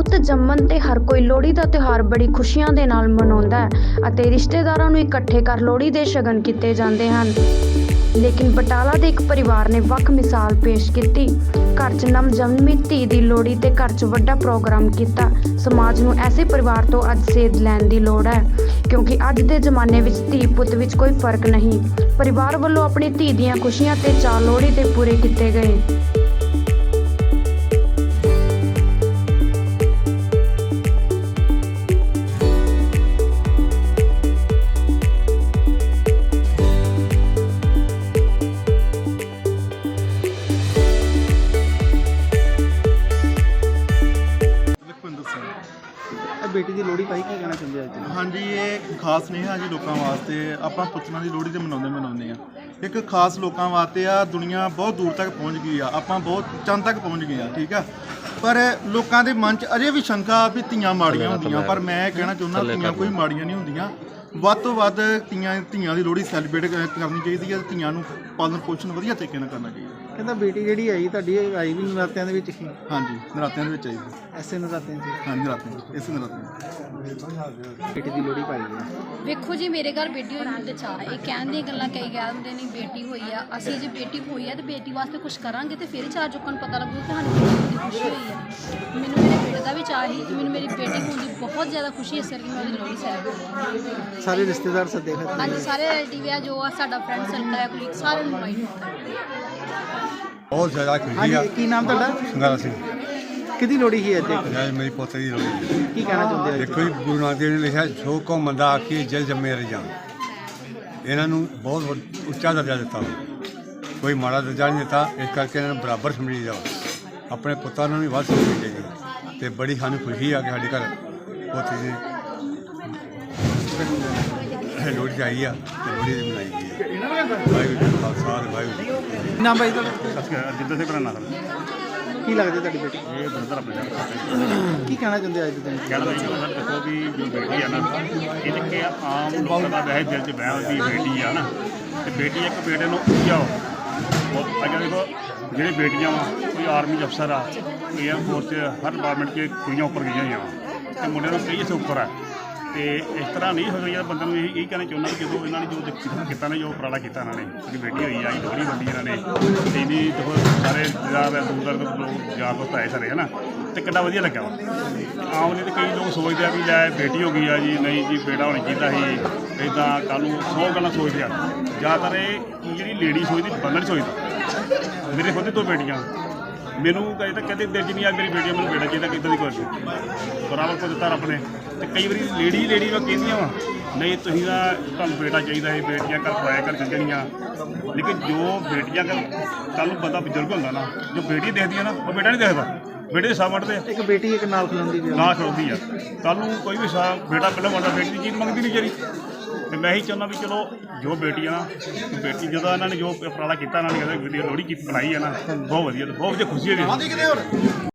ਪੁੱਤ ਜੰਮਣ ਤੇ ਹਰ ਕੋਈ ਲੋਹੜੀ ਦਾ ਤਿਉਹਾਰ ਬੜੀ ਖੁਸ਼ੀਆਂ ਦੇ ਨਾਲ ਮਨਾਉਂਦਾ ਹੈ ਅਤੇ ਰਿਸ਼ਤੇਦਾਰਾਂ ਨੂੰ ਇਕੱਠੇ ਕਰ ਲੋਹੜੀ ਦੇ ਸ਼ਗਨ ਕੀਤੇ ਜਾਂਦੇ ਹਨ। ਲੇਕਿਨ ਬਟਾਲਾ ਦੇ ਇੱਕ ਪਰਿਵਾਰ ਨੇ ਵੱਖ ਮਿਸਾਲ ਪੇਸ਼ ਕੀਤੀ। ਘਰ 'ਚ ਨਵਜੰਮੀ ਧੀ ਦੀ ਲੋਹੜੀ ਤੇ ਘਰ 'ਚ ਵੱਡਾ ਪ੍ਰੋਗਰਾਮ ਕੀਤਾ। ਸਮਾਜ ਨੂੰ ਐਸੇ ਪਰਿਵਾਰ ਤੋਂ ਅੱਜ ਸੇਧ ਲੈਣ ਦੀ ਲੋੜ ਹੈ, ਕਿਉਂਕਿ ਅੱਜ ਦੇ ਜ਼ਮਾਨੇ ਵਿੱਚ ਧੀ ਪੁੱਤ ਵਿੱਚ ਕੋਈ ਫਰਕ ਨਹੀਂ। ਪਰਿਵਾਰ ਵੱਲੋਂ ਆਪਣੀ ਧੀ ਦੀਆਂ ਖੁਸ਼ੀਆਂ ਤੇ ਚਾਅ ਲੋਹੜੀ ਤੇ ਪੂਰੇ ਕੀਤੇ ਗਏ। बेटी की लोहड़ी पाई की कहना चाहते हैं? हाँ जी, ये खास नहीं है जी लोगों वास्ते। ਆਪਾਂ ਪੁੱਤਰਾਂ ਦੀ ਲੋਹੜੀ ਤੇ ਮਨਾਉਂਦੇ ਆ। ਇੱਕ ਖਾਸ ਲੋਕਾਂ ਵਾਸਤੇ ਆ। ਦੁਨੀਆ ਬਹੁਤ ਦੂਰ ਤੱਕ ਪਹੁੰਚ ਗਈ ਆ, ਆਪਾਂ ਬਹੁਤ ਚੰਦ ਤੱਕ ਪਹੁੰਚ ਗਏ ਆ, ਠੀਕ ਆ। ਪਰ ਲੋਕਾਂ ਦੇ ਮਨ 'ਚ ਅਜੇ ਵੀ ਸ਼ੰਕਾ ਵੀ ਧੀਆਂ ਮਾੜੀਆਂ ਹੁੰਦੀਆਂ, ਪਰ ਮੈਂ ਕਹਿਣਾ ਚਾਹੁੰਦਾ ਧੀਆਂ ਕੋਈ ਮਾੜੀਆਂ ਨਹੀਂ ਹੁੰਦੀਆਂ। ਵੱਧ ਤੋਂ ਵੱਧ ਧੀਆਂ ਦੀ ਲੋਹੜੀ ਸੈਲੀਬ੍ਰੇਟ ਕਰਨੀ ਚਾਹੀਦੀ ਹੈ। ਧੀਆਂ ਨੂੰ ਪਾਲਣ ਪੋਸ਼ਣ ਵਧੀਆ ਤਰੀਕੇ ਨਾਲ ਕਰਨਾ ਚਾਹੀਦਾ। कहता बेटी जी आई ਤੁਹਾਡੀ आई भी नरात्या ही? हाँ जी, नरात्या आई ऐसे नरात्या हाँ जी, नरात्या इस नरात्या बेटी की लोहड़ी पाई है। ਵੇਖੋ ਜੀ, ਮੇਰੇ ਘਰ ਬੇਟੀ ਹੋਣ ਦੇ ਚਾਅ ਇਹ ਕਹਿਣ ਦੀਆਂ ਗੱਲਾਂ ਕਈ ਕਹਿ ਦਿੰਦੇ ਨੇ ਬੇਟੀ ਹੋਈ ਆ। ਅਸੀਂ ਜੇ ਬੇਟੀ ਹੋਈ ਆ ਤੇ ਬੇਟੀ ਵਾਸਤੇ ਕੁਝ ਕਰਾਂਗੇ ਤੇ ਫਿਰ ਚਾਰ ਲੋਕਾਂ ਨੂੰ ਪਤਾ ਲੱਗੂ ਕਿ ਸਾਨੂੰ ਬੇਟੀ ਦੀ ਖੁਸ਼ੀ ਹੋਈ ਆ। ਮੈਨੂੰ ਮੇਰੇ ਬੇਟੇ ਦਾ ਵੀ ਚਾਅ ਸੀ ਤੇ ਮੈਨੂੰ ਮੇਰੀ ਬੇਟੀ ਹੋਣ ਦੀ ਬਹੁਤ ਜ਼ਿਆਦਾ ਖੁਸ਼ੀ ਇਸ ਕਰਕੇ ਮੈਂ ਉਹਦੀ ਲੋਹੜੀ ਸੈਲੀਬ੍ਰੇਟ ਸਾਰੇ ਰਿਸ਼ਤੇਦਾਰ ਸੱਦੇ ਫਿਰ? ਹਾਂਜੀ, ਸਾਰੇ ਰਿਲੇਟਿਵ ਆ ਜੋ ਆ ਸਾਡਾ ਫਰੈਂਡ ਸਰਕਲ ਆ, ਕੁਲੀਗ ਸਾਰਿਆਂ ਨੂੰ ਇਨਵਾਈਟ ਕੀਤਾ। बहुत ज़्यादा खुशी है। की नाम ਤੁਹਾਡਾ? ਸੰਗਾਰਾ ਸਿੰਘ। किहदी लोहड़ी ही है? ਯਾਰ ਮੇਰੀ ਪੋਤੇ ਦੀ ਲੋਹੜੀ ਹੈ। की कहना चाहते हो? ਦੇਖੋ ਜੀ, ਗੁਰੂ ਨਾਨਕ ਦੇਵ ਨੇ ਲਿਖਿਆ ਸੋ ਕੋ ਮੰਦਾ ਆਖੀ ਜਲ ਜੰਮੇ ਰਜਾਨ। ਇਹਨਾਂ ਨੂੰ ਬਹੁਤ ਉੱਚਾ ਦਰਜਾ ਦਿੱਤਾ, ਕੋਈ ਮਾੜਾ ਦਰਜਾ ਨਹੀਂ ਦਿੱਤਾ। ਇਸ ਕਰਕੇ ਇਹਨਾਂ ਨੂੰ ਬਰਾਬਰ ਸਮਝੀ ਜਾਓ। ਆਪਣੇ ਪੁੱਤਾਂ ਨੂੰ ਵੀ ਵੱਧ ਸਮਝਣੀ ਚਾਹੀਦੀ ਅਤੇ ਬੜੀ ਸਾਨੂੰ ਖੁਸ਼ੀ ਆ ਕਿ ਸਾਡੇ ਘਰ ਪੋਤੇ ਦੀ ਲੋਹੜੀ ਆਈ ਆ ਅਤੇ ਲੋਹੜੀ ਦੀ ਮਨਾਈ ਗਈ ਹੈ। ਵਾਹਿਗੁਰੂ ਜੀ ਕਾ ਖਾਲਸਾ ਵਾਹਿਗੁਰੂ ਜੀ ਕੀ ਫਤਿਹ। नाम भाई ਤੁਹਾਡਾ? ਜਿੱਦਾਂ ਸੇ ਬਣਾਣਾ की लगती ਤੁਹਾਡੀ बेटी? ਇਹ ਬਰਦਰ ਆਪਣੇ की कहना चाहते हो आज के दिन? ਕਹਿਣਾ ਚਾਹੀਦਾ ਸਰ, ਦੇਖੋ ਵੀ ਜੋ ਬੇਟੀ ਆ ਨਾ, ਇਹ ਕਿ ਆਮ ਲੋਕਾਂ ਦਾ ਵੈਸੇ ਦਿਲ 'ਚ ਵਹਿਮ ਵੀ ਬੇਟੀ ਆ ਨਾ, ਤੇ ਬੇਟੀ ਇੱਕ ਬੇਟੇ ਨੂੰ ਜਾਓ। ਅੱਗੇ ਦੇਖੋ ਜਿਹੜੇ ਬੇਟੀਆਂ ਵਾ, ਕੋਈ ਆਰਮੀ ਅਫਸਰ ਆ, ਕੋਈ ਏਅਰਫੋਰਸ 'ਚ, ਹਰ ਡਿਪਾਰਟਮੈਂਟ 'ਚ ਕੁੜੀਆਂ ਉੱਪਰ ਗਈਆਂ ਹੋਈਆਂ ਵਾ ਤੇ ਮੁੰਡਿਆਂ ਨੂੰ ਕਈ ਇੱਥੇ ਉੱਪਰ ਆ। ਤੇ ਇਸ ਤਰ੍ਹਾਂ ਨਹੀਂ ਹੋ ਰਿਹਾ। ਬੰਦੇ ਨੂੰ ਇਹੀ ਕਹਿਣਾ ਚਾਹੁੰਦਾ ਕਿ ਜਦੋਂ ਇਹਨਾਂ ਨੇ ਜੋ ਕੀਤਾ ਨਾ, ਜੋ ਉਪਰਾਲਾ ਕੀਤਾ ਇਹਨਾਂ ਨੇ, ਜਿਹੜੀ ਬੇਟੀ ਹੋਈ ਆ, ਲੋਹੜੀ ਵੰਡੀ ਇਹਨਾਂ ਨੇ, ਤੇ ਇਹਦੀ ਦੇਖੋ ਸਾਰੇ ਦੂਰ ਦੂਰ ਲੋਕ ਯਾਰ ਦੋਸਤ ਆਏ ਸਾਰੇ, ਹੈ ਨਾ, ਤੇ ਕਿੰਨਾ ਵਧੀਆ ਲੱਗਾ ਵਾ। ਆਮ ਨਹੀਂ ਤੇ ਕਈ ਲੋਕ ਸੋਚਦੇ ਆ ਵੀ ਲੈ ਬੇਟੀ ਹੋ ਗਈ ਆ ਜੀ, ਨਹੀਂ ਜੀ ਬੇਟਾ ਹੋਣਾ ਚਾਹੀਦਾ ਸੀ, ਇੱਦਾਂ ਕੱਲ੍ਹ ਨੂੰ 100 ਗੱਲਾਂ ਸੋਚਦੇ ਆ। ਜ਼ਿਆਦਾਤਰ ਇਹ ਜਿਹੜੀ ਲੇਡੀ ਸੋਚਦੀ, ਬੰਦਾ ਨਹੀਂ ਸੋਚਦਾ। ਮੇਰੇ ਖੁਦ 2 ਬੇਟੀਆਂ, ਮੈਨੂੰ ਕਦੇ ਤਾਂ ਕਹਿੰਦੇ ਦਿਲ 'ਚ ਨਹੀਂ ਆ ਮੇਰੀ ਬੇਟੀ ਮੈਨੂੰ ਬੇਟਾ ਚਾਹੀਦਾ, ਕਿੱਦਾਂ ਦੀ ਕੋਈ ਬਰਾਬਰ ਕੋ ਦਿੱਤਾ ਰੱਬ ਨੇ। ਤੇ ਕਈ ਵਾਰੀ ਲੇਡੀ ਵਾ ਕਹਿੰਦੀਆਂ ਵਾ ਨਹੀਂ ਤੁਸੀਂ ਤਾਂ ਤੁਹਾਨੂੰ ਬੇਟਾ ਚਾਹੀਦਾ ਹੈ, ਬੇਟੀਆਂ ਘਰ ਪਰਾਇਆ ਕਰ ਚੱਲਣੀਆਂ। ਲੇਕਿਨ ਜੋ ਬੇਟੀਆਂ ਕੱਲ੍ਹ ਨੂੰ ਬੰਦਾ ਬਜ਼ੁਰਗ ਹੁੰਦਾ ਨਾ, ਜੋ ਬੇਟੀ ਦੇਖਦੀ ਆ ਨਾ, ਉਹ ਬੇਟਾ ਨਹੀਂ ਦੇਖਦਾ। ਬੇਟੇ ਦੇ ਸਾਹ ਵੱਢਦੇ एक बेटी एक नाल खिलाਉਂਦੀ ਵੀ ਨਾ ਖੜੋਦੀ ਆ। ਕੱਲ੍ਹ ਨੂੰ ਕੋਈ ਵੀ ਸਾਹ ਬੇਟਾ ਪਹਿਲਾਂ ਵੱਡਾ, ਬੇਟੀ ਦੀ ਚੀਜ਼ ਮੰਗਦੀ ਨਹੀਂ ਜਿਹੜੀ। ਤੇ ਮੈਂ ਇਹੀ ਚਾਹੁੰਦਾ ਵੀ ਚਲੋ ਜੋ ਬੇਟੀ ਆ ਨਾ, ਬੇਟੀ ਜਦੋਂ ਇਹਨਾਂ ਨੇ ਜੋ ਉਪਰਾਲਾ ਕੀਤਾ, ਇਹਨਾਂ ਨੇ ਕਹਿੰਦੇ ਲੋਹੜੀ ਕੀ ਬਣਾਈ ਆ ਨਾ, ਬਹੁਤ ਵਧੀਆ, ਬਹੁਤ ਵਧੀਆ ਖੁਸ਼ੀ ਹੋਈ।